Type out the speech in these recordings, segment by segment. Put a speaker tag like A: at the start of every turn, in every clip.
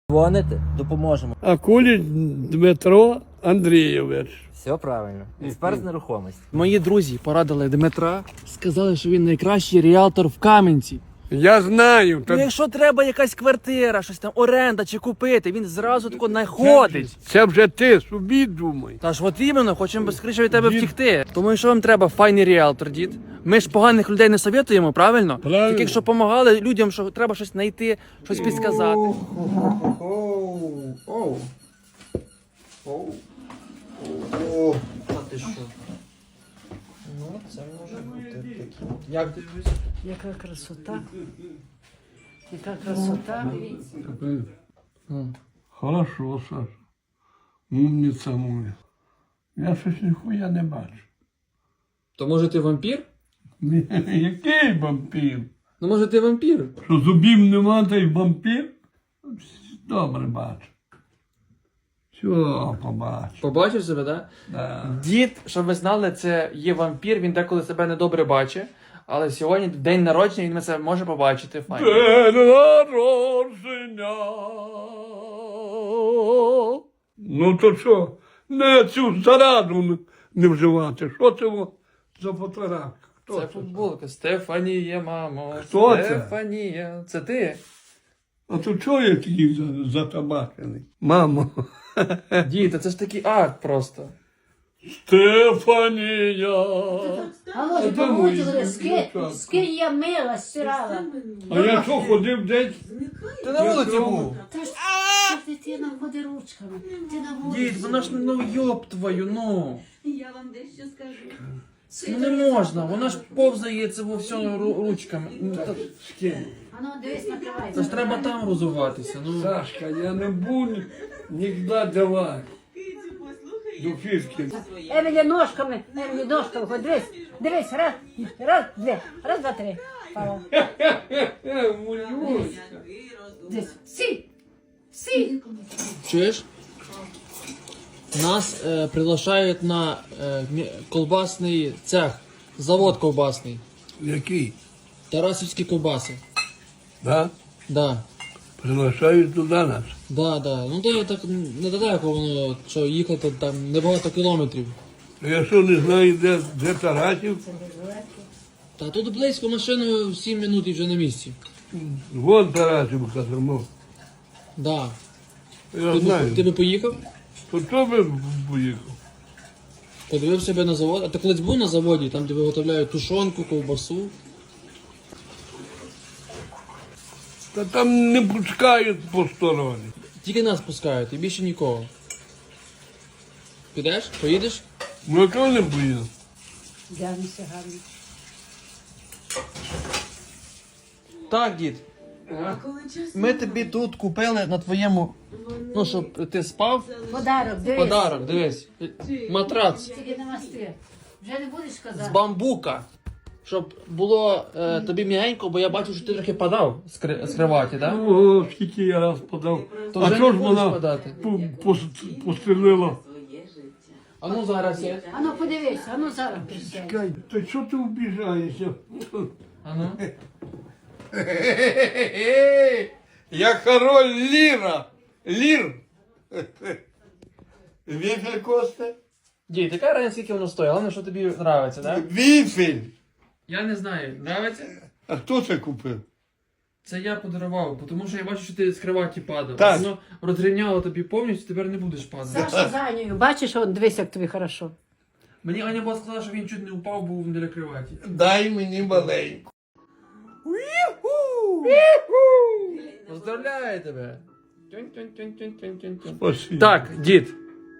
A: Дзвоните, допоможемо.
B: Акуліч Дмитро Андрійович.
A: Все правильно. Експерт з нерухомості.
C: Мої друзі порадили Дмитра, сказали, що він найкращий ріалтор в Кам'янці.
B: Я знаю.
C: Ну, якщо треба якась квартира, щось там, оренда чи купити, він зразу тако знаходить.
B: Це вже ти собі думай.
C: Та ж от іменно, хочемо скоріше від тебе втікти. Тому що вам треба файний ріалтор, дід. Ми ж поганих людей не советуємо, правильно?
B: Правильно.
C: Таких, що допомагали людям, що треба щось знайти, щось підсказати.
A: Та ти що? Ну, це може бути таке. Як ти дивишся?
D: Яка красота. Яка красота.
B: Хорошо, Саш. Умниця моя. Я щось ніхуя не бачу.
C: То може ти вампір?
B: Який вампір?
C: Ну може ти вампір?
B: Що зубів нема, та й вампір? Добре бачу. Все, побачу.
C: Побачив себе, так?
B: Да.
C: Дід, щоб ви знали, це є вампір, він деколи себе недобре бачить. Але сьогодні день народження, він це може побачити. Файно.
B: День народження. Ну то що? Не цю зараду не вживати. Що це за фотографія? Хто
C: Це футболка. Стефанія, мамо.
B: Хто це?
C: Стефанія. Це ти?
B: А то чого я такий затабачений? Мамо.
C: Дід, це ж такий акт просто.
B: Стефанія.
D: А може
B: де мої
D: помутили,
B: дівчатка?
D: скинь я мила, стирала.
B: А я що ходив десь?
C: Ти на вулиці був.
D: Та ж дитина ходи ручками. Ти на вулиці.
C: Дід, вона ж, ну йоб твою, ну.
E: Я вам дещо скажу.
C: Ну не можна, вона ж повзає це во всьому ручками. Ну,
D: А ну дивись,
C: Це
D: накривайся.
C: ж треба там розуватися, ну.
B: Сашка, я не буду ніколи давати. До фішки.
D: Емілі ножками, ходи, дивись. Дивись, раз, два, три. Пала.
B: Мулюшка.
D: Дивись, сі.
C: Чуєш? Нас приглашають на колбасний цех, завод ковбасний.
B: Який?
C: Тарасівські ковбаси.
B: Да?
C: Да.
B: Приглашають туди нас.
C: Да. Ну то так недалеко воно, що їхати там небагато кілометрів.
B: Я що не знаю, де Тарасів?
C: Та тут близько машиною 7 минут і вже на місці.
B: Вон Тарасів казармо.
C: Да.
B: Я знаю.
C: Ти би поїхав?
B: То хто би поїхав?
C: Подивив себе на завод. А ти колись був на заводі, там де виготовляють тушонку, ковбасу.
B: Та там не пускають посторонні.
C: Тільки нас пускають і більше нікого. Підеш? Поїдеш?
B: Ну чого не поїду?
D: Дянися гарно.
C: Так, дід. Ми тобі тут купили на твоєму, ну, щоб ти спав.
D: Подарок, дивись.
C: Подарок, дивись. Матрац
D: Тільки не масти. Вже не будеш
C: з
D: казати.
C: бамбука. Щоб було тобі м'ягенько, бо я бачу, що ти трохи падав з криваті, так? Да?
B: О, скільки я раз подав.
C: То
B: А
C: вже
B: що
C: не
B: ж
C: будеш
B: вона
C: подати.
B: пострілила?
C: А ну зараз є.
D: А ну подивись, а ну зараз присядь.
B: Чекай, та що ти вбіжаєшся?
C: А ну.
B: Я король Ліра. Лір. Віфель Косте?
C: Дід, яка разниця, скільки воно стоїть? Головне, що тобі подобається, так? Да?
B: Віфель.
C: Я не знаю, подобається?
B: А хто це купив?
C: Це я подарував, тому що я бачу, що ти з криваті падав.
B: Так.
C: Воно розрівняло тобі повністю, тепер не будеш падати.
D: Саша за нею. Бачиш, он, дивись, як тобі хорошо.
C: Мені Аня була сказала, що він чуть не упав, був біля криваті.
B: Дай мені маленьку.
C: Поздравляю тебе!
B: Спасибо.
C: Так, дід.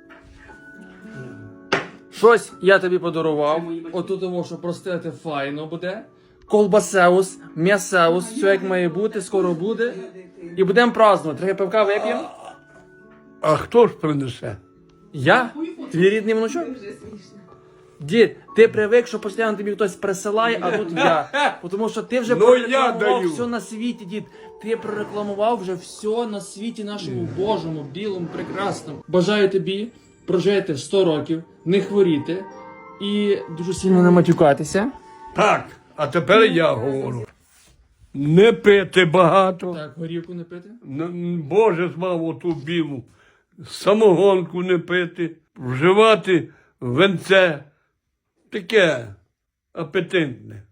C: Щось я тобі подарував. Отут того, що простити файно буде. Колбасеус, м'ясеус, все як має бути, скоро буде. І будемо празднувати. Трохи пивка вип'ємо.
B: А хто ж принесе?
C: Я? Твій рідний внучок? Дід, ти привик, що постійно тобі хтось присилає, а тут я. Тому що ти вже
B: Ну, я
C: прорекламував
B: даю.
C: все на світі, дід. Ти прорекламував вже все на світі нашому Божому, білому, прекрасному. Бажаю тобі прожити 100 років, не хворіти і дуже сильно не матюкатися.
B: Так, а тепер я говорю. Не пити багато.
C: Так, горівку не пити.
B: Боже змав оту білу. Самогонку не пити. Вживати венце. Таке апетитне.